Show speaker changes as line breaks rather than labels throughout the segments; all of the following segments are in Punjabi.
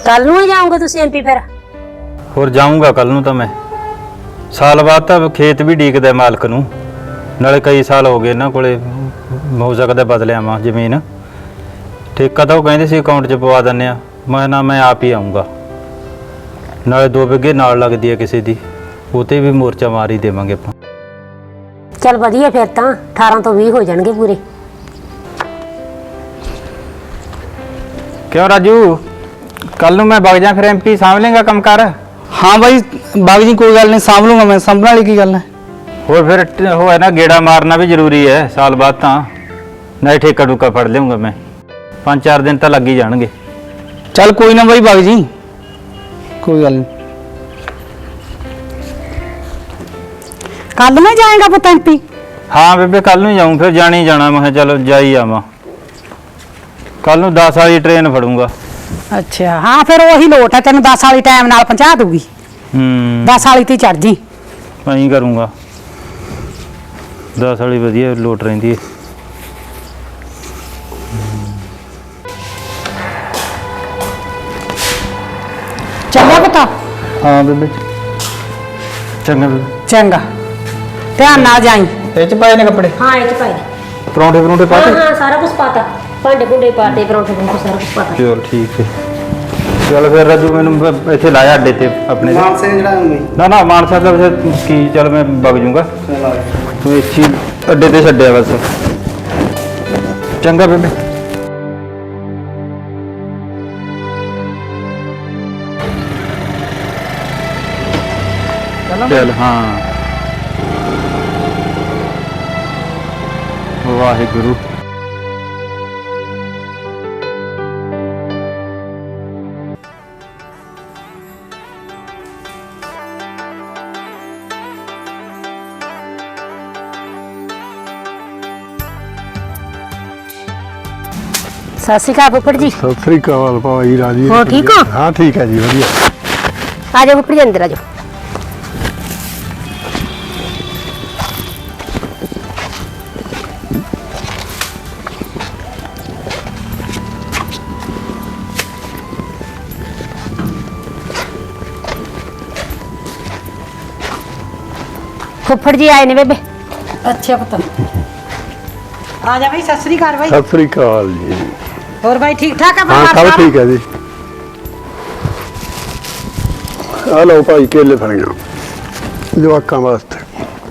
कल नूं ही जाओगे तुसीं एमपी फिर?
ਹੋਰ ਜਾਊਂਗਾ ਕੱਲ ਨੂੰ ਤਾਂ ਮੈਂ। ਸਾਲ ਬਾਅਦ ਤਾਂ ਖੇਤ ਵੀ ਡੀਕਦਾ ਮਾਲਕ ਨੂੰ, ਨਾਲੇ ਕਈ ਸਾਲ ਹੋ ਗਏ ਇਹਨਾਂ ਕੋਲੇ, ਹੋ ਸਕਦਾ ਬਦਲ ਆਵਾਂ ਜ਼ਮੀਨ। ਠੇਕਾ ਤਾਂ ਉਹ ਕਹਿੰਦੇ ਸੀ ਅਕਾਊਂਟ 'ਚ ਪਵਾ ਦਿੰਦੇ ਆ, ਮੈਂ ਆਪ ਹੀ ਆਊਂਗਾ। ਨਾਲੇ 2 ਬਿੱਗੇ ਨਾਲ ਲੱਗਦੀ ਹੈ ਕਿਸੇ ਦੀ, ਉਹ 'ਤੇ ਵੀ ਮੋਰਚਾ ਮਾਰ ਹੀ ਦੇਵਾਂਗੇ ਆਪਾਂ।
चल वधिया फिर तां 18 ਤੋਂ 20 हो जाणगे पूरे।
क्यों राजू, कल नूं मैं वग जा फिर एमपी सामभ लेंगा काम कर?
हाँ भाई बाबू जी कोई गल नहीं, सामभ लूंगा मैं, संभलने वाली की गल है।
और फिर वो है ना, गेड़ा मारना भी जरूरी है साल बाद, तो नहीं ठेका ठूका फड़ लूँगा मैं, 5-4 दिन तो लग ही जाएंगे।
चल कोई ना भाई बाबू जी, कोई गल नहीं।
कल में जाएगा पुत एमपी?
हाँ बेबे कल नूं जाऊँ, फिर जाना ही जाना। मैं चलो जा ही आवां, कल नूं 10 वाली ट्रेन फड़ूंगा।
अच्छा हाँ फिर वही लोट है, तेन 10 वाली टाइम नाल पहुंचा दूगी। 10 वाली ती चढ़ जी।
मैं ही करूँगा, 10 वाली वधिया लोट रहिंदी है।
चंगा पुत?
हाँ बेबे चंगा बेबे।
चंगा ध्यान नाल जाई।
ये च पाए ने कपड़े?
हाँ ये पाई।
परौंठे परौंठे
हाँ
पाते?
हाँ सारा कुछ पाता, भांडे भूंडे पाते, परौंठे भूंठे सारा कुछ पाता।
चल ठीक है। चल फिर राजू मैनू इत्थे लाया अड्डे ते अपने
मानसे चढ़ाऊंगी?
ना मानसा तो वैसे की, चल मैं वग जूंगा, तू इसी अड्डे ते छड्डिया बस। चंगा बेबे। चल हाँ, वाहिगुरु।
सत श्री अकाल फुफड़ जी।
सत श्री अकाल भाई राजी।
हो ठीक हो?
हाँ ठीक है जी, बढ़िया।
आ जाओ फुफड़ जी अंदर आ जाओ। फुफड़ जी आए ने बेबे।
अच्छा पुत आ जा भाई, सत श्री अकाल भाई।
सत श्री अकाल जी।
और भाई ठीक ठाक है?
हाँ सब ठीक है जी। आ लो भाई केले फड़िया जवाकां वास्ते।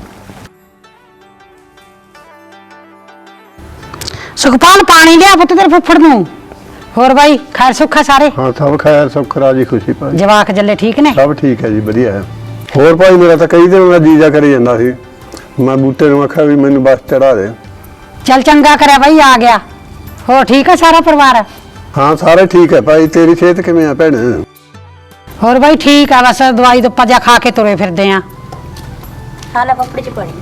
सुखपाल पानी लिया पुत तेरे फुफड़ नूं। और भाई खैर सुख है सारे?
हाँ सब खैर सब राजी खुशी भाई।
जवाक जल्ले ठीक ने?
सब ठीक है जी, बढ़िया है। होर भाई मेरा तो कई दिन का जीजा करी जांदा सी, मैं बूटे नूं आख्या भी मैनूं बस चढ़ा दे।
चल चंगा करे भाई आ गया। हो ठीक है सारा परिवार?
हाँ सारे ठीक है भाई। तेरी सेहत किवें है भैण?
और भाई ठीक है, बस दवाई तो पजा खा के तुरे फिरदे हैं।
हाला फुफड़ जी पानी।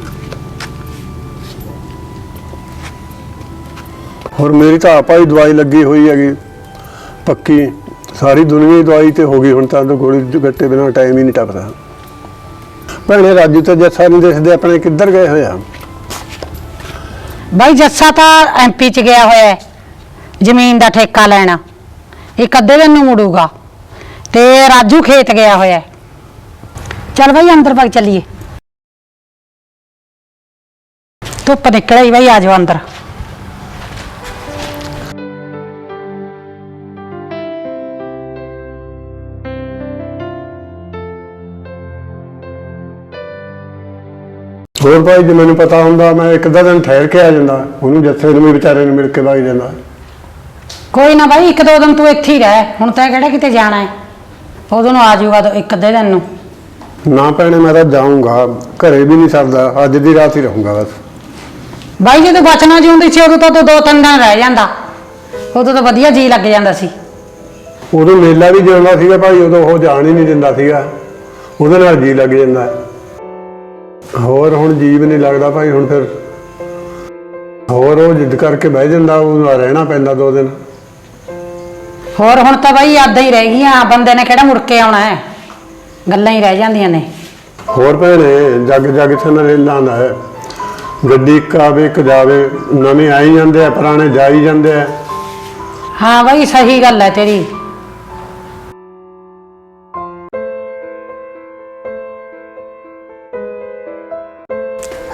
और मेरी तो आप ही दवाई लगी हुई हैगी पक्की, सारी दुनिया ही दवाई तो हो गई हुण तां तो गोली गट्टे बिना टाइम ही नहीं टपदा। भैणे राजू तो जस्सा नहीं देखते अपने किधर गए हुए हैं?
भाई जस्सा तो एमपी च गया होया है जमीन का ठेका लेना, एक अद्धे दिन नूं मुड़ूगा, ते राजू खेत गया होया है। चल भाई अंदर भाग चलिए, धुप निकल आई भाई, आ जाओ अंदर।
ਹੋਰ ਭਾਈ ਜੇ ਮੈਨੂੰ ਪਤਾ ਹੁੰਦਾ ਮੈਂ ਇੱਕ ਅੱਧਾ ਦਿਨ ਠਹਿਰ ਕੇ ਆ ਜਾਂਦਾ, ਉਹਨੂੰ ਜੱਥੇ ਨੂੰ ਵੀ ਵਿਚਾਰੇ ਨੂੰ ਮਿਲ ਕੇ ਵਗ ਜਾਂਦਾ।
कोई ना भाई एक दो दिन तू इत्थे ही रह, हुण तैं किहड़ा किते जाना है, उदों नूं आ जाऊगा तो एक अद्धे दिन नूं।
ना भैणे मैं तो जाऊंगा, घरे भी नहीं सरदा, अज दी रात ही रहूंगा बस।
भाई जो तू बचना जिउंदी सी उदों तो तू 2-3 दिन रह जांदा, उदों तो वधिया जी लग जांदा सी।
उदों मेला भी जांदा सीगा भाई, उदों वो जान ही नहीं दिंदा सीगा, ਉਹਦੇ ਨਾਲ जी लग ਜਾਂਦਾ। ਹੋਰ ਹੁਣ जी भी नहीं लगता भाई, ਹੁਣ फिर ਹੋਰ ਉਹ जिद करके बह ਜਾਂਦਾ, ਉਹਨੂੰ ਰਹਿਣਾ ਪੈਂਦਾ 2 दिन।
ਹੋਰ ਹੁਣ ਤਾਂ ਬਾਈ ਯਾਦਾਂ ਹੀ ਰਹਿ ਗਈਆਂ, ਬੰਦੇ ਨੇ ਕਿਹੜਾ ਮੁੜ ਕੇ ਆਉਣਾ ਹੈ, ਗੱਲਾਂ ਹੀ ਰਹਿ ਜਾਂਦੀਆਂ ਨੇ।
ਹੋਰ ਭੈਣੇ ਜੱਗ ਜੱਗ ਥਨ ਰੇਲਾਂ ਦਾ ਹੈ, ਗੱਡੀ ਇੱਕ ਆਵੇ ਇੱਕ ਜਾਵੇ, ਨਵੇਂ ਆਈ ਜਾਂਦੇ ਆ, ਪੁਰਾਣੇ ਜਾਈ ਜਾਂਦੇ ਆ।
ਹਾਂ ਬਾਈ ਸਹੀ ਗੱਲ ਹੈ ਤੇਰੀ।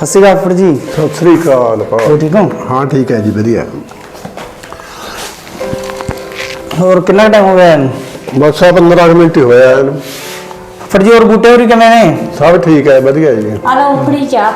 ਸਤਿ ਸ਼੍ਰੀ ਅਕਾਲ ਫੁੱਫੜ ਜੀ।
ਸਤਿ ਸ੍ਰੀ ਅਕਾਲ
ਹੋ ਠੀਕ ਹੋ?
ਹਾਂ ਠੀਕ ਹੈ ਜੀ ਵਧੀਆ।
ਹੋਰ ਕਿੰਨਾ ਟਾਈਮ ਹੋ ਗਿਆ ਇਹਨੂੰ?
ਬਸ ਆ 15 ਕੁ ਮਿੰਟ ਹੀ ਹੋਇਆ ਇਹਨੂੰ।
ਫੁੱਫੜ ਜੀ ਹੋਰ ਬੂਟੇ ਹੋਰੀ ਕਿਵੇਂ ਨੇ?
ਸਭ ਠੀਕ ਹੈ ਵਧੀਆ ਜੀ।
ਆ ਲਓ ਉਪਰੀ ਚਾਹ।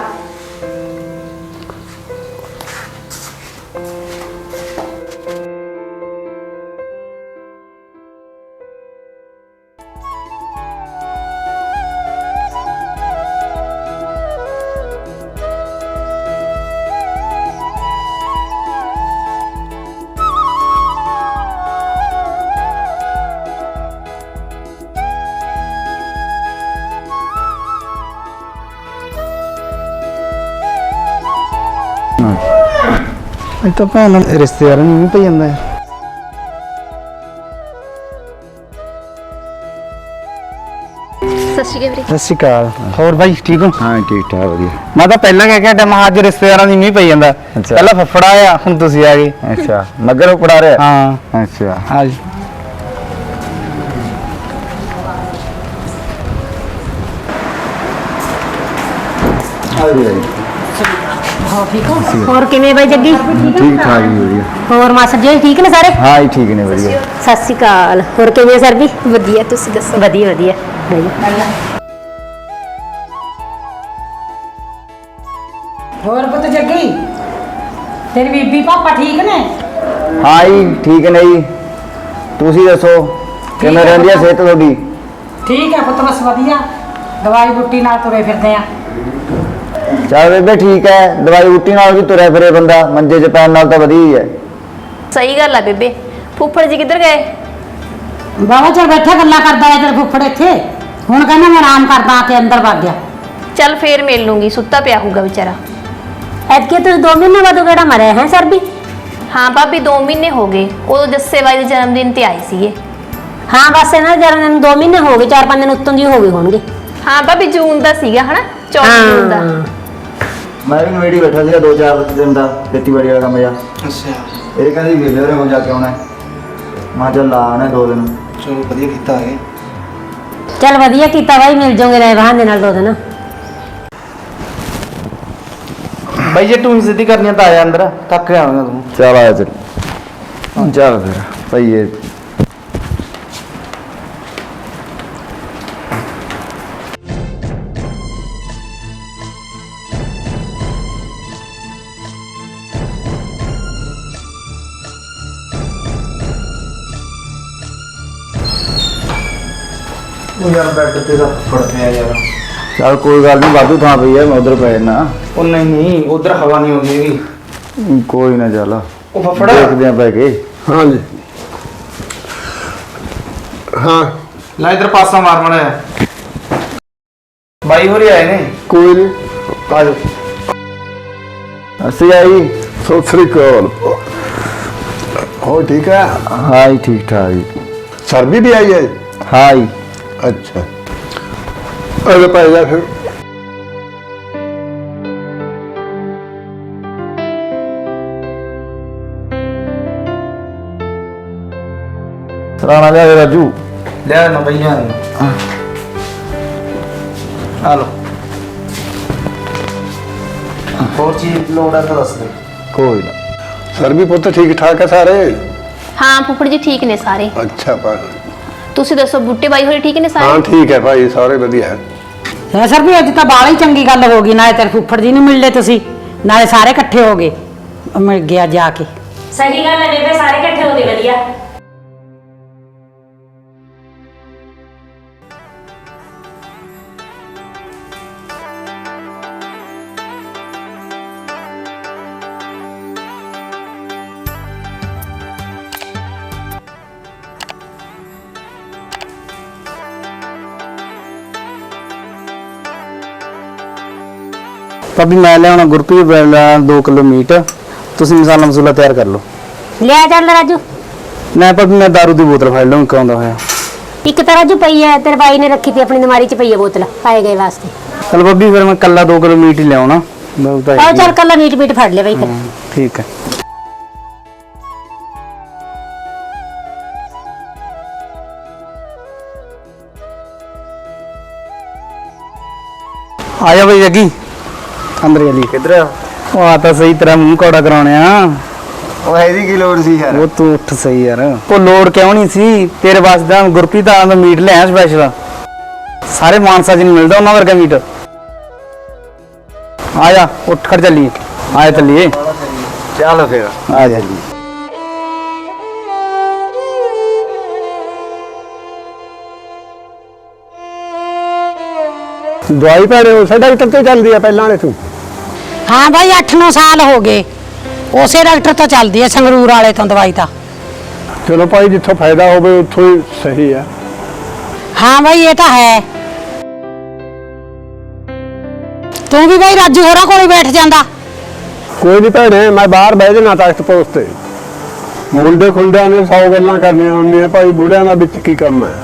ਇਹ ਤਾਂ ਭੈਣ ਰਿਸ਼ਤੇਦਾਰਾਂ ਨੂੰ ਵੀ ਪਈ ਜਾਂਦਾ ਹੈ।
ਸਤਿ ਸ਼੍ਰੀ ਅਕਾਲ ਵੀਰੇ।
ਸਤਿ ਸ਼੍ਰੀ ਅਕਾਲ। ਹੋਰ ਬਾਈ ਠੀਕ ਹੋ?
ਹਾਂ ਠੀਕ ਠਾਕ ਵਧੀਆ।
ਮੈਂ ਤਾਂ ਪਹਿਲਾਂ ਕਹਿ ਕੇ ਹਟਿਆ, ਮੈਂ ਕਿਹਾ ਅੱਜ ਰਿਸ਼ਤੇਦਾਰਾਂ ਦੀ ਮੀਂਹ ਪਈ ਜਾਂਦਾ।
ਅੱਛਾ।
ਪਹਿਲਾਂ ਫੱਫੜਾ ਆਇਆ, ਹੁਣ ਤੁਸੀਂ ਆ ਗਏ।
ਅੱਛਾ ਮੱਗਰ ਉਪੜਾ ਰਿਹਾ।
ਹਾਂ
ਅੱਛਾ
ਆ ਜੀ।
ਆ ਗਿਆ
ਹੋਰ ਕਿਵੇਂ ਬਾਈ ਜੱਗੀ?
ਠੀਕ ਠਾਕ ਜੀ ਵਧੀਆ।
ਹੋਰ ਮਾਸਟਰ ਜੀ ਠੀਕ ਨੇ ਸਾਰੇ?
ਹਾਂ ਜੀ ਠੀਕ ਨੇ ਵਧੀਆ।
ਸਤਿ ਸ਼੍ਰੀ ਅਕਾਲ। ਹੋਰ ਕਿਵੇਂ ਸਰ ਵੀ?
ਵਧੀਆ, ਤੁਸੀਂ ਦੱਸੋ?
ਵਧੀਆ ਵਧੀਆ।
ਹੋਰ ਪੁੱਤ ਜੱਗੀ, ਤੇਰੀ ਬੀਬੀ ਪਾਪਾ ਠੀਕ ਨੇ?
ਹਾਂ ਜੀ ਠੀਕ ਨੇ ਜੀ। ਤੁਸੀਂ ਦੱਸੋ ਕਿਵੇਂ ਰਹਿੰਦੀ ਹੈ ਸਿਹਤ ਤੁਹਾਡੀ?
ਠੀਕ ਹੈ ਪੁੱਤ, ਬਸ ਵਧੀਆ। ਦਵਾਈ ਬੂਟੀ ਨਾਲ ਤੁਰੇ ਫਿਰਦੇ ਆ।
ਚੱਲ ਬੇਬੇ ਠੀਕ ਹੈ, ਦਵਾਈ ਬੂਟੀ ਨਾਲ ਵੀ ਤੁਰਿਆ ਫਿਰੇ ਬੰਦਾ, ਮੰਜੇ 'ਚ ਪੈਣ ਨਾਲ ਤਾਂ ਵਧੀਆ ਹੀ ਹੈ।
ਸਹੀ ਗੱਲ ਆ ਬੇਬੇ। ਫੁੱਫੜ ਜੀ ਕਿੱਧਰ ਗਏ?
ਬਾਬਾ ਚਲ ਬੈਠਾ ਗੱਲਾਂ ਕਰਦਾ ਹੈ ਤੇਰੇ ਫੁੱਫੜ ਇੱਥੇ। ਹੁਣ ਕਹਿੰਦਾ ਮੈਂ ਆਰਾਮ ਕਰਦਾ, ਆ ਕੇ ਅੰਦਰ ਵਗ ਗਿਆ।
ਚੱਲ ਫੇਰ ਮਿਲ ਲੂੰਗੀ, ਸੁੱਤਾ ਪਿਆ ਹੋਊਗਾ ਵਿਚਾਰਾ।
ਐਤਕੀ ਤੁਸੀਂ 2 ਮਹੀਨੇ ਬਾਅਦ ਕਿਹੜਾ ਮਰਿਆ ਹੈ ਸਰ ਵੀ?
ਹਾਂ ਭਾਬੀ 2 ਮਹੀਨੇ ਹੋ ਗਏ, ਉਦੋਂ ਜੱਸੇ ਬਾਈ ਦੇ ਜਨਮ ਦਿਨ ਤੇ ਆਏ ਸੀਗੇ।
ਹਾਂ ਬਸ ਇਹਨਾਂ ਦੇ ਜਨਮ ਦਿਨ 2 ਮਹੀਨੇ ਹੋ ਗਏ, 4-5 ਦਿਨ ਉੱਤੋਂ ਦੀ ਹੋ ਗਏ ਹੋਣਗੇ।
ਹਾਂ ਭਾਬੀ ਜੂਨ ਦਾ ਸੀਗਾ ਹਨਾ, 14 ਜੂਨ ਦਾ।
ਮੈਂ ਵੀ ਨਵੇੜੀ ਬੈਠਾ ਸੀਗਾ 2-4 ਦਿਨ ਦਾ, ਖੇਤੀਬਾੜੀ ਵਾਲਾ ਕੰਮ ਜਾ।
ਅੱਛਾ
ਇਹ ਕਹਿੰਦੀ ਵੇਲੇ ਉਹਨੇ ਕੋਲ ਜਾ ਕੇ ਆਉਣਾ ਹੈ। ਮੈਂ ਚੱਲ ਲਾ ਆਉਣਾ 2 ਦਿਨ।
ਚਲੋ ਵਧੀਆ ਕੀਤਾ ਹੈ।
ਚੱਲ ਵਧੀਆ ਕੀਤਾ ਬਾਈ, ਮਿਲ ਜਾਓਗੇ ਰਹੇ ਬਹਾਨੇ ਨਾਲ 2 ਦਿਨ।
ਬਾਈ ਜੇ ਤੂੰ ਸਿੱਧੀ ਕਰਨੀ ਆ ਤਾਂ ਆ ਜਾ ਅੰਦਰ, ਥੱਕ ਜਾਵੇਂਗਾ ਤੂੰ।
ਚੱਲ ਆਇਆ ਚੱਲ ਚੱਲ ਫਿਰ ਭਈਏ।
ਉਹ ਯਾਰ ਬੈੱਡ ਤੇ ਤਾਂ ਫੜ ਪਿਆ ਯਾਰ।
ਚੱਲ ਕੋਈ ਗੱਲ ਨਹੀਂ, ਵਾਧੂ ਥਾਂ ਪਈ ਹੈ, ਮੈਂ ਉਧਰ ਪੈ ਜਾਣਾ।
ਉਹ ਨਹੀਂ ਉਧਰ ਹਵਾ ਨਹੀਂ ਆਉਂਦੀ ਹੈਗੀ।
ਕੋਈ ਨਾ ਚੱਲ
ਉਹ ਫੱਫੜਾ
ਦੇਖਦੇ ਆ ਪੈ ਕੇ।
ਹਾਂ ਜੀ ਹਾਂ
ਲੈ ਇਧਰ ਪਾਸਾ ਮਾਰ ਮੜਿਆ। ਬਾਈ ਹੋਰੀ ਆਏ ਨੇ।
ਕੋਈ ਨਹੀਂ
ਆ ਜਾਓ।
ਅਸੀਂ ਆਈ।
ਸਤਿ ਸ੍ਰੀ ਅਕਾਲ। ਹੋ ਠੀਕ ਹੈ?
ਹਾਂ ਜੀ ਠੀਕ ਠਾਕ ਜੀ।
ਸਰਬੀ ਵੀ ਆਈ ਹੈ?
ਹਾਂ ਜੀ।
ਅੱਛਾ ਅਰੇ ਭਾਈ ਜਾ ਫਿਰ।
ਸਰਾਣਾ ਲਿਆ ਦੇ ਰਾਜੂ।
ਲਿਆ ਨਾ ਬਈਆ ਆ ਲੋ। ਹੋਰ ਚੀਜ਼ ਲੋੜ ਹੈ ਤਾਂ ਦੱਸ ਦੇ।
ਕੋਈ ਨਾ।
ਸਰਬੀ ਪੁੱਤ ਠੀਕ ਠਾਕ ਹੈ ਸਾਰੇ?
ਹਾਂ ਫੁੱਫੜ ਜੀ ਠੀਕ ਨੇ ਸਾਰੇ।
ਅੱਛਾ ਭਾਈ।
ਤੁਸੀਂ ਦੱਸੋ ਬੁੱਟੇ ਬਾਈ ਹੋਰੀ ਠੀਕ ਨੇ
ਹਾਂ
ਸਾਰੇ?
ਠੀਕ ਹੈ ਭਾਈ, ਸਾਰੇ ਵਧੀਆ ਹੈ।
ਹੈ ਸਰ ਵੀ ਅੱਜ ਤਾਂ ਬਾਹਲੀ ਚੰਗੀ ਗੱਲ ਹੋ ਗਈ, ਨਾਲੇ ਤੇਰੇ ਫੁੱਫੜ ਜੀ ਨੂੰ ਮਿਲ ਲਏ ਤੁਸੀਂ, ਨਾਲੇ ਸਾਰੇ ਇਕੱਠੇ ਹੋ ਗਏ। ਮਿਲ ਗਿਆ ਜਾ ਕੇ।
ਸਹੀ ਗੱਲ ਹੈ ਬੇਬੇ, ਸਾਰੇ ਇਕੱਠੇ ਹੋ ਗਏ ਵਧੀਆ।
ਭਾਬੀ ਮੈਂ ਲਿਆਉਣਾ ਗੁਰਪ੍ਰੀਤ ਬੈਲਾ 2 ਕਿਲੋ ਮੀਟ, ਤੁਸੀਂ ਮਸਾਲਾ ਮਸੂਲਾ ਤਿਆਰ ਕਰ ਲਓ।
ਲਿਆ ਚੱਲ ਰਾਜੂ।
ਮੈਂ ਭਾਬੀ ਮੈਂ ਦਾਰੂ ਦੀ ਬੋਤਲ ਫੜ ਲਵਾਂ, ਕਾਉਂਦਾ ਹੋਇਆ।
ਇੱਕ ਤਾਂ ਰਾਜੂ ਪਈ ਹੈ, ਤੇਰੇ ਬਾਈ ਨੇ ਰੱਖੀ ਤੀ ਆਪਣੀ ਅਲਮਾਰੀ 'ਚ ਪਈ ਹੈ ਬੋਤਲ, ਪਾਏ ਗਏ ਵਾਸਤੇ।
ਚਲ ਭਾਬੀ ਫਿਰ ਮੈਂ ਕੱਲਾ 2 ਕਿਲੋ ਮੀਟ ਹੀ ਲਿਆਉਣਾ। ਬਹੁਤ
ਆਓ ਚੱਲ ਕੱਲਾ ਮੀਟ ਫੜ ਲੈ ਬਾਈ ਫਿਰ।
ਠੀਕ ਹੈ। ਆ ਜਾ ਬਈ ਜੱਗੀ। ਅੰਦਰ ਚਲੀ
ਕਿੱਧਰ
ਉਹ ਆ ਤਾਂ ਸਹੀ ਤਰ੍ਹਾਂ ਮੂੰਹ ਕੌੜਾ ਕਰਾਉਣਿਆ।
ਉਹ ਇਹਦੀ ਕੀ ਲੋੜ ਸੀ ਯਾਰ?
ਉਹ ਤੂੰ ਉੱਠ ਸਹੀ ਯਾਰ। ਉਹ ਲੋੜ ਕਿਉਂ ਨਹੀਂ ਸੀ ਤੇਰੇ ਵਾਸਤੇ ਤਾਂ ਗੁਰਪ੍ਰੀਤ ਆ ਦਾ ਮੀਟ ਲਿਆ ਸਪੈਸ਼ਲ। ਸਾਰੇ ਮਾਨਸਾ 'ਚ ਨਹੀਂ ਮਿਲਦਾ ਉਹਨਾਂ ਵਰਗਾ ਮੀਟ। ਆ ਜਾ ਉੱਠ ਖੜ ਚੱਲੀਏ। ਆਏ ਚੱਲੀਏ।
ਚੱਲ ਫਿਰ
ਆ ਜਾ ਜੀ।
ਦਵਾਈ ਭੈਣੇ ਉਸੇ ਡਾਕਟਰ ਤੋਂ ਚੱਲਦੀ ਆ ਪਹਿਲਾਂ ਵਾਲੇ ਤੂੰ?
ਹਾਂ ਬਾਈ 8-9 ਸਾਲ ਹੋ ਗਏ ਉਸੇ ਡਾਕਟਰ ਤੋਂ ਚੱਲਦੀ ਹੈ ਸੰਗਰੂਰ ਵਾਲੇ ਤੋਂ ਦਵਾਈ ਤਾਂ।
ਚਲੋ ਭਾਈ ਜਿੱਥੋਂ ਫਾਇਦਾ ਹੋਵੇ ਉੱਥੋਂ ਹੀ ਸਹੀ ਆ।
ਹਾਂ ਬਾਈ ਇਹ ਤਾਂ ਹੈ। ਤੂੰ ਵੀ ਬਾਈ ਰਾਜੂ ਹੋਰਾਂ ਕੋਲ ਹੀ ਬੈਠ ਜਾਂਦਾ।
ਕੋਈ ਨਹੀਂ ਭੈਣੇ ਮੈਂ ਬਾਹਰ ਬਹਿ ਜਾਣਾ ਤਖਤ ਪੋਸਟ ਤੇ। ਮੁੰਡੇ ਖੁੰਡਿਆਂ ਨੇ 100 ਗੱਲਾਂ ਕਰਨੀਆਂ ਹੁੰਦੀਆਂ ਭਾਈ, ਬੁੜਿਆਂ ਦਾ ਵਿੱਚ ਕੀ ਕੰਮ ਹੈ।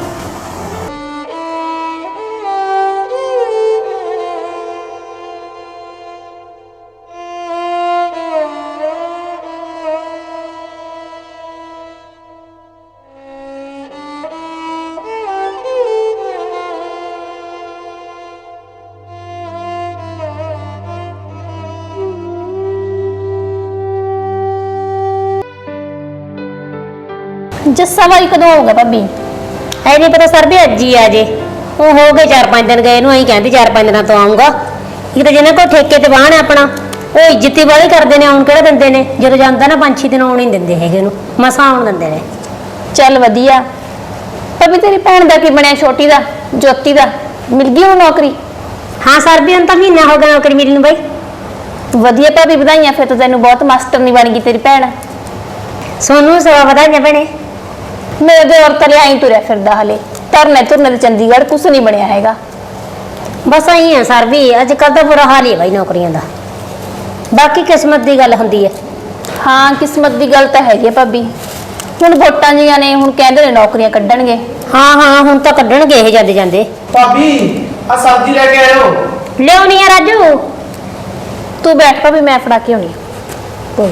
ਜੱਸਾ ਬਾਈ ਕਦੋਂ ਆਊਗਾ ਭਾਬੀ?
ਐ ਨਹੀਂ ਪਤਾ ਸਰ ਵੀ ਅੱਜ ਹੀ ਆ ਜੇ। ਉਹ ਹੋ ਗਏ 4-5 ਦਿਨ ਗਏ ਨੂੰ, ਅਸੀਂ ਕਹਿੰਦੇ 4-5 ਦਿਨਾਂ ਤੋਂ ਆਉਂਗਾ। ਇਹ ਤਾਂ ਜਿਹਨਾਂ ਕੋਲ ਠੇਕੇ ਤੇ ਬਾਹਣ ਹੈ ਆਪਣਾ, ਉਹ ਇੱਜ਼ਤੀ ਵਾਲੀ ਕਰਦੇ ਨੇ, ਆਉਣ ਕਿਹੜਾ ਦਿੰਦੇ ਨੇ। ਜਦੋਂ ਜਾਂਦਾ ਨਾ 5-6 ਦਿਨ ਆਉਣ ਹੀ ਦਿੰਦੇ ਹੈਗੇ ਨੂੰ, ਮਸਾਂ ਆਉਣ ਦਿੰਦੇ ਨੇ।
ਚੱਲ ਵਧੀਆ। ਭਾਬੀ ਤੇਰੀ ਭੈਣ ਦਾ ਕੀ ਬਣਿਆ, ਛੋਟੀ ਦਾ, ਜੋਤੀ ਦਾ? ਮਿਲ ਗਈ ਉਹ ਨੌਕਰੀ?
ਹਾਂ ਸਰ ਵੀ ਹੁਣ ਤਾਂ ਮਹੀਨਾ ਹੋ ਗਿਆ ਨੌਕਰੀ ਮਿਲੀ ਨੂੰ ਬਾਈ।
ਵਧੀਆ ਭਾਬੀ, ਵਧਾਈਆਂ। ਫਿਰ ਤਾਂ ਤੈਨੂੰ ਬਹੁਤ ਮਾਸਟਰਨੀ ਬਣ ਗਈ ਤੇਰੀ ਭੈਣ।
ਸੋਨੂੰ ਸਵਾ ਵਧਾਈਆਂ ਭੈਣੇ।
ਮੇਰੇ ਦੇ ਔਰ ਤਲੇ ਆਈ ਤੁਰਿਆ ਫਿਰਦਾ ਹਲੇ। ਧਰਨੇ ਧੁਰਨੇ ਤੇ ਚੰਡੀਗੜ੍ਹ ਕੁਛ ਨਹੀਂ ਬਣਿਆ ਹੈਗਾ।
ਬਸ ਆਈ ਆ ਸਰ ਵੀ, ਅੱਜ ਕੱਲ੍ਹ ਤਾਂ ਬੁਰਾ ਹਾਲ ਹੀ ਹੈ ਬਾਈ ਨੌਕਰੀਆਂ ਦਾ। ਬਾਕੀ ਕਿਸਮਤ ਦੀ ਗੱਲ ਹੁੰਦੀ ਹੈ।
ਹਾਂ ਕਿਸਮਤ ਦੀ ਗੱਲ ਤਾਂ ਹੈਗੀ ਆ ਭਾਬੀ। ਹੁਣ ਵੋਟਾਂ ਜੀਆਂ ਨੇ, ਹੁਣ ਕਹਿੰਦੇ ਨੇ ਨੌਕਰੀਆਂ ਕੱਢਣਗੇ।
ਹਾਂ ਹਾਂ ਹੁਣ ਤਾਂ ਕੱਢਣਗੇ ਇਹ ਜਾਂਦੇ ਜਾਂਦੇ।
ਭਾਬੀ ਆ ਸਬਜ਼ੀ ਲੈ ਕੇ ਆਇਓ।
ਲਿਆਉਣੀ ਆ ਰਾਜੂ।
ਤੂੰ ਬੈਠ ਭਾਬੀ, ਮੈਂ ਫੜਾ ਕੇ ਆਉਣੀ।
ਕੋਈ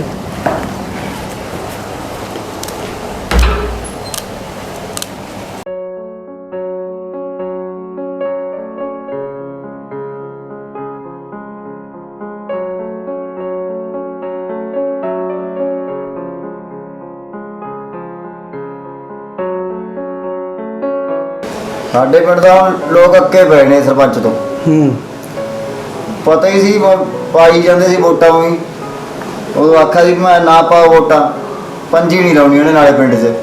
ਸਾਡੇ ਪਿੰਡ ਦਾ ਹੁਣ ਲੋਕ ਅੱਕੇ ਪਏ ਨੇ ਸਰਪੰਚ ਤੋਂ। ਪਤਾ ਹੀ ਸੀ ਪਾਈ ਜਾਂਦੇ ਸੀ ਵੋਟਾਂ ਵੀ। ਉਹ ਆਖਿਆ ਸੀ ਮੈਂ ਨਾ ਪਾਓ ਵੋਟਾਂ, ਪੰਜੀ ਨਹੀਂ ਲਾਉਣੀ ਉਹਨੇ ਨਾਲੇ ਪਿੰਡ 'ਚ।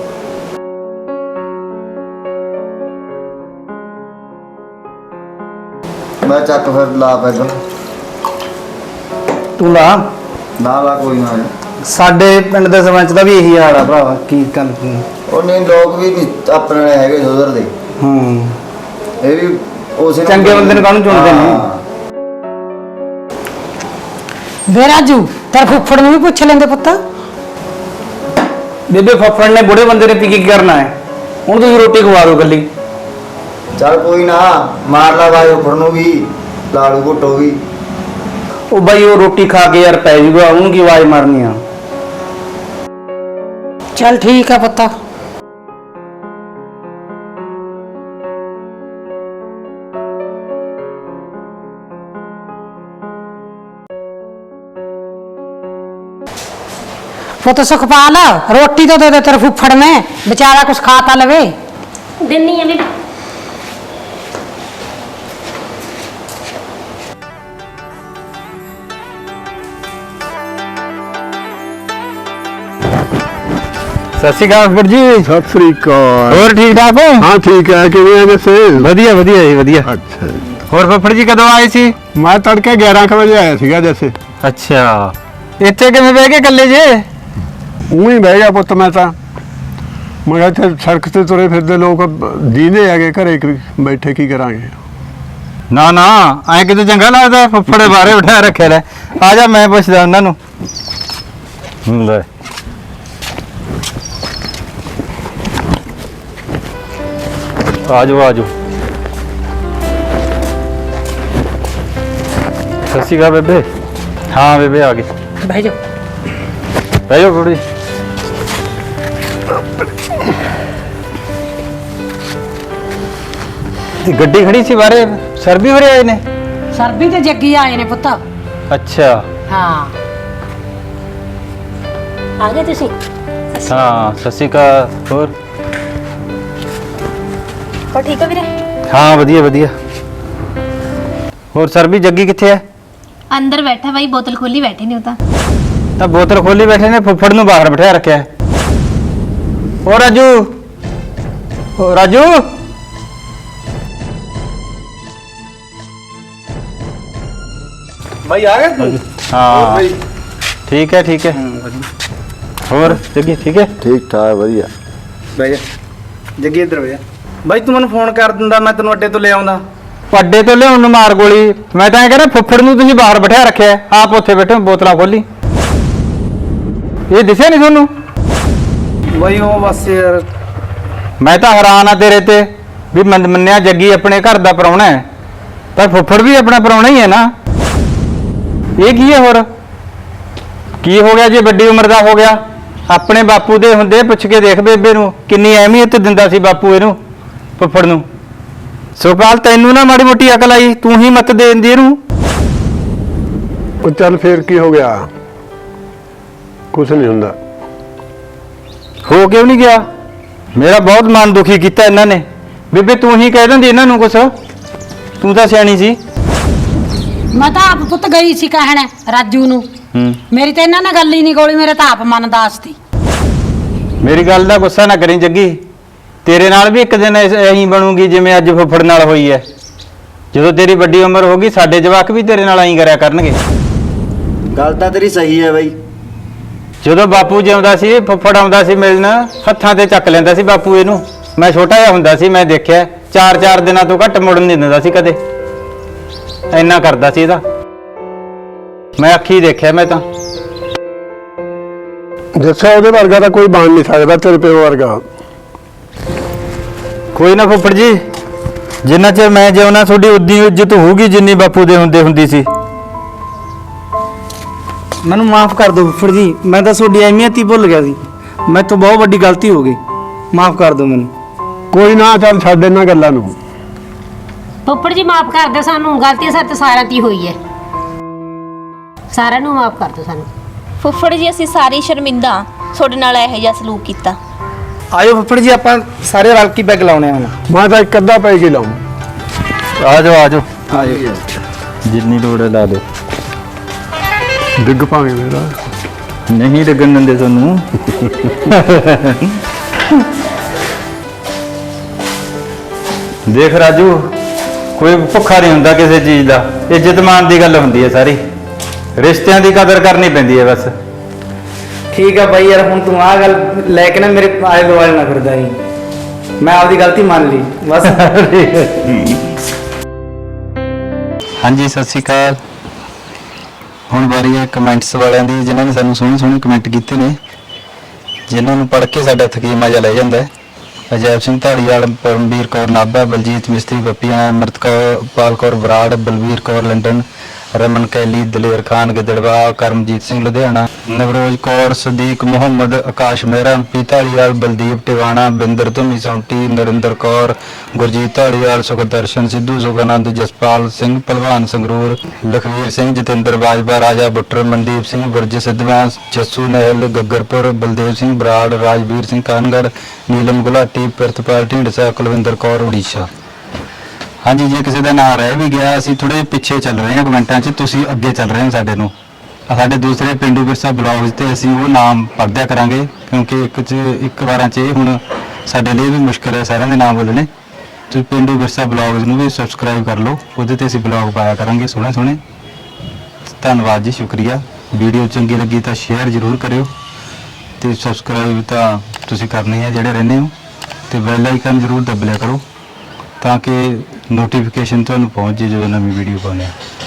ਮੈਂ ਚੱਕ ਫਿਰ ਲਾ ਪੈਗਾ।
ਤੂੰ ਲਾ।
ਨਾ ਕੋਈ ਨਾ।
ਸਾਡੇ ਪਿੰਡ ਦੇ ਸਰਪੰਚ ਦਾ ਵੀ ਇਹੀ ਹਾਲ ਆ ਭਰਾਵਾ। ਕੀ ਗੱਲ?
ਉਹ ਨਹੀਂ ਲੋਕ ਵੀ ਨੀ ਆਪਣੇ ਵਾਲੇ ਹੈਗੇ ਸੁਧਰਦੇ। ਇਹ ਵੀ ਉਸੇ
ਚੰਗੇ ਬੰਦੇ ਨੂੰ ਕਾਹਨੂੰ ਚੁਣਦੇ ਨੇ?
ਹਾਂ।
ਵੇ ਰਾਜੂ ਤੇਰੇ ਫੁੱਫੜ ਨੂੰ ਵੀ ਪੁੱਛ ਲੈਂਦੇ ਪੁੱਤ।
ਬੇਬੇ ਫੱਫੜ ਨੇ ਬੁੜੇ ਬੰਦੇ ਨੇ ਕੀ ਕਰਨਾ ਹੈ? ਹੁਣ ਤੁਸੀਂ ਰੋਟੀ ਖਵਾ ਦਿਓ ਗੱਲੀ।
ਚੱਲ ਕੋਈ ਨਾ, ਮਾਰ ਲਾ ਬਾਈ ਉੱਪਰ ਨੂੰ ਵੀ, ਲਾੜੂ ਘੁੱਟੋ ਵੀ।
ਉਹ ਬਾਈ ਉਹ ਰੋਟੀ ਖਾ ਕੇ ਯਾਰ ਪੈ ਜੂਗਾ, ਉਹਨੂੰ ਕੀ ਆਵਾਜ਼ ਮਾਰਨੀ ਆ?
ਚੱਲ ਠੀਕ ਆ ਪੁੱਤ। ਪੁੱਤ ਸੁਖਪਾਲ ਰੋਟੀ ਤਾਂ ਦੇ ਦੇ ਤੇਰੇ ਫੁੱਫੜ ਨੇ, ਵਿਚਾਰਾ ਕੁਛ ਖਾ ਤਾਂ ਲਵੇ।
ਦਿੰਨੀ ਆ ਵੀ।
ਸਤਿ ਸ਼੍ਰੀ ਅਕਾਲ ਫੁੱਫੜ ਜੀ।
ਸਤਿ ਸ੍ਰੀ ਅਕਾਲ।
ਹੋਰ ਠੀਕ ਠਾਕ ਹੋ?
ਹਾਂ ਠੀਕ ਹੈ। ਕਿਵੇਂ ਆ ਜੱਸੇ?
ਵਧੀਆ ਵਧੀਆ ਜੀ ਵਧੀਆ।
ਅੱਛਾ
ਹੋਰ ਫੁੱਫੜ ਜੀ ਕਦੋਂ ਆਏ ਸੀ?
ਮੈਂ ਤੜਕੇ 11 ਕੁ ਵਜੇ ਆਇਆ ਸੀਗਾ ਜੱਸੇ।
ਅੱਛਾ ਇੱਥੇ ਕਿਵੇਂ ਬਹਿ ਕੇ ਇਕੱਲੇ ਜੇ?
ਉਹੀ ਬਹਿ ਗਿਆ ਪੁੱਤ ਮੈਂ ਤਾਂ। ਮੈਂ ਕਿਹਾ ਇੱਥੇ ਸੜਕ ਤੇ ਤੁਰੇ ਫਿਰਦੇ ਲੋਕ ਦੀਂਦੇ ਹੈਗੇ, ਘਰੇ ਬੈਠੇ ਕੀ ਕਰਾਂਗੇ।
ਨਾ ਨਾ ਐ ਕਿਤੇ ਚੰਗਾ ਲੱਗਦਾ ਫੁੱਫੜ ਦੇ ਬਾਰੇ ਬਿਠਾ ਰੱਖਿਆ ਲੈ। ਆ ਜਾ ਮੈਂ ਪੁੱਛਦਾ ਉਹਨਾਂ ਨੂੰ। ਲੈ ਆ ਜਾਓ ਆ ਜਾਓ। ਸਤਿ ਸ਼੍ਰੀ ਅਕਾਲ ਬੇਬੇ। ਹਾਂ ਬੇਬੇ ਆ ਗਈ।
ਬਹਿ ਜਾ।
ਬਹਿ ਜਾਓ ਕੁੜੀ। ਗੱਡੀ ਖੜੀ ਸੀ ਬਾਰੇ, ਸਰ ਵੀ ਹੋਰੇ ਆਏ ਨੇ?
ਸਰਬੀ ਤੇ ਜੱਗੀ ਆਏ ਨੇ ਪੁੱਤ।
ਅੱਛਾ
ਹਾਂ
ਆ ਗਏ ਤੁਸੀਂ?
ਹਾਂ, ਸਤਿ ਸ਼੍ਰੀ ਅਕਾਲ। ਹੋਰ
ਹੋ ਠੀਕ ਹੋ ਵੀਰੇ?
ਹਾਂ, ਵਧੀਆ ਵਧੀਆ। ਹੋਰ ਸਰ ਵੀ ਜੱਗੀ ਕਿੱਥੇ ਹੈ?
ਅੰਦਰ ਬੈਠਾ ਬਾਈ, ਬੋਤਲ ਖੋਲੀ ਬੈਠੇ ਨੇ ਉਹ
ਤਾਂ ਬੋਤਲ ਖੋਲੀ ਬੈਠੇ ਨੇ, ਫੁੱਫੜ ਨੂੰ ਬਾਹਰ ਬਿਠਾ ਰੱਖਿਆ ਹੈ। ਓ ਰਾਜੂ, ਓ ਰਾਜੂ,
ਬਾਈ ਆ ਗਿਆ ਤੂੰ?
ਹਾਂ ਠੀਕ ਹੈ ਠੀਕ ਹੈ। ਹੋਰ ਜੱਗੀ ਠੀਕ ਹੈ?
ਠੀਕ ਠਾਕ ਵਧੀਆ।
ਬਹਿ ਜਾ ਜੱਗੀ, ਇੱਧਰ ਬਹਿ ਜਾ। ਬਾਈ ਤੂੰ ਮੈਨੂੰ ਫੋਨ ਕਰ ਦਿੰਦਾ, ਮੈਂ ਤੈਨੂੰ ਅੱਡੇ ਤੋਂ ਲੈ ਆਉਂਦਾ।
ਅੱਡੇ ਤੋਂ ਲਿਆਉਣ ਨੂੰ ਮਾਰ ਗੋਲੀ। ਮੈਂ ਤਾਂ ਇਹ ਕਹਿੰਦਾ ਫੁੱਫੜ ਨੂੰ ਤੁਸੀਂ ਬਾਹਰ ਬਿਠਾ ਰੱਖਿਆ ਹੈ, ਆਪ ਉੱਥੇ ਬੈਠੇ ਹੋ, ਬੋਤਲਾਂ ਖੋਲੀ। ਇਹ ਦਿਸਿਆ ਨਹੀਂ ਤੁਹਾਨੂੰ?
ਬਾਈ ਉਹ ਬਸ ਯਾਰ,
ਮੈਂ ਤਾਂ ਹੈਰਾਨ ਆ ਤੇਰੇ ਤੇ ਵੀ ਮੰਨਿਆ ਜੱਗੀ ਆਪਣੇ ਘਰ ਦਾ ਪ੍ਰਾਹੁਣਾ ਹੈ, ਪਰ ਫੁੱਫੜ ਵੀ ਆਪਣਾ ਪ੍ਰਾਹੁਣਾ ਹੀ ਹੈ ਨਾ। ਇਹ ਕੀ ਹੈ? ਹੋਰ ਕੀ ਹੋ ਗਿਆ ਜੇ ਵੱਡੀ ਉਮਰ ਦਾ ਹੋ ਗਿਆ? ਆਪਣੇ ਬਾਪੂ ਦੇ ਹੁੰਦੇ ਪੁੱਛ ਕੇ ਦੇਖ ਬੇਬੇ ਨੂੰ, ਕਿੰਨੀ ਅਹਿਮੀਅਤ ਦਿੰਦਾ ਸੀ ਬਾਪੂ ਇਹਨੂੰ, ਫੁੱਫੜ ਨੂੰ। ਸੁਖਪਾਲ ਤੈਨੂੰ ਨਾ ਮਾੜੀ ਮੋਟੀ ਅਕਲ ਆਈ, ਤੂੰ ਹੀ ਮਤ ਦੇ ਦਿੰਦੀ ਇਹਨੂੰ।
ਉਹ ਚੱਲ ਫੇਰ ਕੀ ਹੋ ਗਿਆ? ਕੁਛ ਨਹੀਂ ਹੁੰਦਾ।
ਹੋ ਕਿਉਂ ਨਹੀਂ ਗਿਆ? ਮੇਰਾ ਬਹੁਤ ਮਨ ਦੁਖੀ ਕੀਤਾ ਇਹਨਾਂ ਨੇ। ਬੇਬੇ ਤੂੰ ਹੀ ਕਹਿ ਦਿੰਦੀ ਇਹਨਾਂ ਨੂੰ ਕੁਛ, ਤੂੰ ਤਾਂ ਸਿਆਣੀ ਸੀ।
ਮੈਂ ਤਾਂ ਆਪ ਪੁੱਤ ਗਈ ਸੀ ਕਹਿਣ ਰਾਜੂ ਨੂੰ, ਮੇਰੀ ਤਾਂ ਇਹਨਾਂ ਨਾਲ ਗੱਲ ਹੀ ਨਹੀਂ ਗੋਲੀ, ਮੇਰੇ ਤਾਂ ਆਪ ਮਨ ਦਾਸ ਸੀ।
ਮੇਰੀ ਗੱਲ ਦਾ ਗੁੱਸਾ ਨਾ ਕਰੀ ਜੱਗੀ, ਤੇਰੇ ਨਾਲ ਵੀ ਇੱਕ ਦਿਨ ਐਂ ਬਣੂਗੀ ਜਿਵੇਂ ਅੱਜ ਫੁੱਫੜ ਨਾਲ ਹੋਈ ਹੈ। ਜਦੋਂ ਤੇਰੀ ਵੱਡੀ ਉਮਰ ਹੋਗੀ, ਸਾਡੇ ਜਵਾਕ ਵੀ ਤੇਰੇ ਨਾਲ ਐਂ ਕਰਿਆ ਕਰਨਗੇ।
ਗੱਲ ਤਾਂ ਤੇਰੀ ਸਹੀ ਹੈ ਬਾਈ।
ਜਦੋਂ ਬਾਪੂ ਜਿਉਂਦਾ ਸੀ, ਫੁੱਫੜ ਆਉਂਦਾ ਸੀ ਮਿਲਣ, ਹੱਥਾਂ ਤੇ ਚੱਕ ਲੈਂਦਾ ਸੀ ਬਾਪੂ ਇਹਨੂੰ। ਮੈਂ ਛੋਟਾ ਜਿਹਾ ਹੁੰਦਾ ਸੀ, ਮੈਂ ਦੇਖਿਆ 4-4 ਦਿਨਾਂ ਤੋਂ ਘੱਟ ਮੁੜਨ ਨਹੀਂ ਦਿੰਦਾ ਸੀ ਕਦੇ, ਇੰਨਾ ਕਰਦਾ ਸੀ ਇਹਦਾ। ਮੈਂ ਅੱਖੀ ਦੇਖਿਆ ਮੈਂ ਤਾਂ।
ਜੱਸਾ ਉਹਦੇ ਵਰਗਾ ਤਾਂ ਕੋਈ ਬਣ ਨਹੀਂ ਸਕਦਾ, ਤੇਰੇ ਪਿਓ ਵਰਗਾ।
ਕੋਈ ਨਾ ਫੁੱਫੜ ਜੀ, ਜਿੰਨਾ ਚਿਰ ਮੈਂ ਜਿਉਣਾ ਤੁਹਾਡੀ ਉਦੀ ਇੱਜ਼ਤ ਹੋਊਗੀ ਜਿੰਨੀ ਬਾਪੂ ਦੇ ਹੁੰਦੀ ਸੀ।
ਮੈਨੂੰ ਮਾਫ ਕਰ ਦਿਓ ਫੁੱਫੜ ਜੀ, ਮੈਂ ਤਾਂ ਤੁਹਾਡੀ ਅਹਿਮੀਅਤ ਹੀ ਭੁੱਲ ਗਿਆ ਸੀ। ਮੇਰੇ ਤੋਂ ਬਹੁਤ ਵੱਡੀ ਗਲਤੀ ਹੋ ਗਈ, ਮਾਫ ਕਰ ਦਿਓ ਮੈਨੂੰ।
ਕੋਈ ਨਾ, ਚੱਲ ਛੱਡ ਇਹਨਾਂ ਗੱਲਾਂ ਨੂੰ।
ਫੁੱਫੜ ਜੀ ਮਾਫ ਕਰ ਦਿਓ ਸਾਨੂੰ, ਗਲਤੀ ਸਾਡੇ ਸਾਰਿਆਂ ਦੀ ਹੋਈ ਹੈ, ਸਾਰਿਆਂ ਨੂੰ ਮਾਫ ਕਰ ਦਿਓ ਸਾਨੂੰ।
ਫੁੱਫੜ ਜੀ ਅਸੀਂ ਸਾਰੇ ਸ਼ਰਮਿੰਦਾ ਤੁਹਾਡੇ ਨਾਲ ਇਹੋ ਜਿਹਾ ਸਲੂਕ ਕੀਤਾ।
ਆਇਓ ਫੁੱਫੜ ਜੀ, ਆਪਾਂ ਸਾਰੇ ਰਲ ਕੇ ਬੈਗ ਲਾਉਣੇ ਆ ਹੁਣ।
ਮੈਂ ਤਾਂ ਇੱਕ ਅੱਧਾ ਪੈ ਕੇ ਲਾਉਂ।
ਆ ਜਾਓ ਆ ਜਾਓ,
ਆਇਓ।
ਜਿੰਨੀ ਲੋੜ ਹੈ ਲਾ ਦਿਓ।
ਡਿੱਗ ਪਾਵੇਂ ਮੇਰਾ।
ਨਹੀਂ ਡਿੱਗਣ ਦਿੰਦੇ ਤੁਹਾਨੂੰ। ਦੇਖ ਰਾਜੂ, ਕੋਈ ਭੁੱਖਾ ਨਹੀਂ ਹੁੰਦਾ ਕਿਸੇ ਚੀਜ਼ ਦਾ, ਇੱਜ਼ਤ ਮਾਨ ਦੀ ਗੱਲ ਹੁੰਦੀ ਹੈ ਸਾਰੀ। ਰਿਸ਼ਤਿਆਂ ਦੀ ਕਦਰ ਕਰਨੀ ਪੈਂਦੀ ਹੈ ਬਸ।
ਠੀਕ ਆ ਬਾਈ, ਯਾਰ ਹੁਣ ਤੂੰ ਆਹ ਗੱਲ ਲੈ ਕੇ ਨਾ ਮੇਰੇ ਆਲੇ ਦੁਆਲੇ ਨਾ ਫਿਰਦਾ ਜੀ। ਮੈਂ ਆਪਦੀ ਗਲਤੀ ਮੰਨ ਲਈ ਬਸ।
ਹਾਂਜੀ ਸਤਿ ਸ਼੍ਰੀ ਅਕਾਲ। ਹੁਣ ਵਾਰੀ ਹੈ ਕਮੈਂਟਸ ਵਾਲਿਆਂ ਦੀ, ਜਿਨ੍ਹਾਂ ਨੇ ਸਾਨੂੰ ਸੋਹਣੇ ਸੋਹਣੇ ਕਮੈਂਟ ਕੀਤੇ ਨੇ, ਜਿਨ੍ਹਾਂ ਨੂੰ ਪੜ੍ਹ ਕੇ ਸਾਡਾ ਥਕੀਮਾ ਜਿਹਾ ਲੈ ਜਾਂਦਾ ਹੈ। ਅਜੈਬ ਸਿੰਘ ਧਾਲੀਵਾਲ, ਪਰਮਵੀਰ ਕੌਰ ਨਾਭਾ, ਬਲਜੀਤ ਮਿਸਤਰੀ ਬੱਪੀਆਂ, ਅਮਰਤਪਾਲ ਕੌਰ ਬਰਾੜ, ਬਲਵੀਰ ਕੌਰ ਲੰਡਨ, ਰਮਨ ਕੈਲੀ, ਦਲੇਰ ਖਾਨ ਗਿੱਦੜਵਾ, ਕਰਮਜੀਤ ਸਿੰਘ ਲੁਧਿਆਣਾ, ਨਵਰੋਜ ਕੌਰ, ਸਦੀਕ ਮੁਹੰਮਦ, ਆਕਾਸ਼ ਮਹਿਰਾ, ਐਮਪੀ ਧਾਲੀਵਾਲ, ਬਲਦੀਪ ਟਿਵਾਣਾ, ਬਿੰਦਰ ਧੁਮੀ ਸੌਂਟੀ, ਨਰਿੰਦਰ ਕੌਰ, ਗੁਰਜੀਤ ਧਾਲੀਵਾਲ, ਸੁਖਦਰਸ਼ਨ ਸਿੱਧੂ, ਸੁਖਾਨੰਦ, ਜਸਪਾਲ ਸਿੰਘ ਭਲਵਾਨ ਸੰਗਰੂਰ, ਲਖਵੀਰ ਸਿੰਘ, ਜਤਿੰਦਰ ਬਾਜਵਾ, ਰਾਜਾ ਬੁੱਟਰ, ਮਨਦੀਪ ਸਿੰਘ ਬੁਰਜ ਸਿੱਧਵਾਂ, ਜੱਸੂ ਨਹਿਲ ਗੱਗਰਪੁਰ, ਬਲਦੇਵ ਸਿੰਘ ਬਰਾੜ, ਰਾਜਵੀਰ ਸਿੰਘ ਕਾਨਗੜ, ਨੀਲਮ ਗੁਲਾਟੀ, ਪ੍ਰਿਤਪਾਲ ਢਿੰਡਸਾ, ਕੁਲਵਿੰਦਰ ਕੌਰ ਉੜੀਸਾ। ਹਾਂਜੀ, ਜੇ ਕਿਸੇ ਦਾ ਨਾਮ ਰਹਿ ਵੀ ਗਿਆ, ਅਸੀਂ ਥੋੜੇ ਪਿੱਛੇ ਚੱਲ ਰਹੇ ਹਾਂ ਕਮੈਂਟਾਂ 'ਚ, ਤੁਸੀਂ ਅੱਗੇ ਚੱਲ ਰਹੇ ਹੋ ਸਾਡੇ ਨੂੰ। ਸਾਡੇ ਦੂਸਰੇ ਪਿੰਡੂ ਵਿਰਸਾ ਬਲੌਗਸ ਤੇ ਅਸੀਂ ਉਹ ਨਾਮ ਪੜ੍ਹਦਿਆ ਕਰਾਂਗੇ, ਕਿਉਂਕਿ ਇੱਕ ਵਾਰਾਂ 'ਚ ਇਹ ਹੁਣ ਸਾਡੇ ਲਈ ਵੀ ਮੁਸ਼ਕਲ ਹੈ ਸਾਰਿਆਂ ਦੇ ਨਾਮ ਬੋਲਣੇ। ਤੁਸੀਂ ਪਿੰਡੂ ਵਿਰਸਾ ਬਲੌਗਸ ਨੂੰ ਵੀ ਸਬਸਕ੍ਰਾਈਬ ਕਰ ਲਓ, ਉਹਦੇ ਤੇ ਅਸੀਂ ਬਲੌਗ ਪਾਇਆ ਕਰਾਂਗੇ ਸੋਹਣੇ ਸੋਹਣੇ। ਧੰਨਵਾਦ ਜੀ, ਸ਼ੁਕਰੀਆ। ਵੀਡੀਓ ਚੰਗੀ ਲੱਗੀ ਤਾਂ ਸ਼ੇਅਰ ਜ਼ਰੂਰ ਕਰਿਓ, ਤੇ ਸਬਸਕ੍ਰਾਈਬ ਤਾਂ ਤੁਸੀਂ ਕਰਨੀ ਹੈ ਜਿਹੜੇ ਰਹਿੰਦੇ ਹੋ, ਤੇ ਬੈਲ ਆਈਕਨ ਜ਼ਰੂਰ ਦਬ ਲਿਆ ਕਰੋ ਤਾਂ ਕਿ ਨੋਟੀਫਿਕੇਸ਼ਨ ਤੁਹਾਨੂੰ ਪਹੁੰਚ ਜੇ ਜਦੋਂ ਨਵੀਂ ਵੀਡੀਓ ਪਾਉਂਦੇ ਹਾਂ।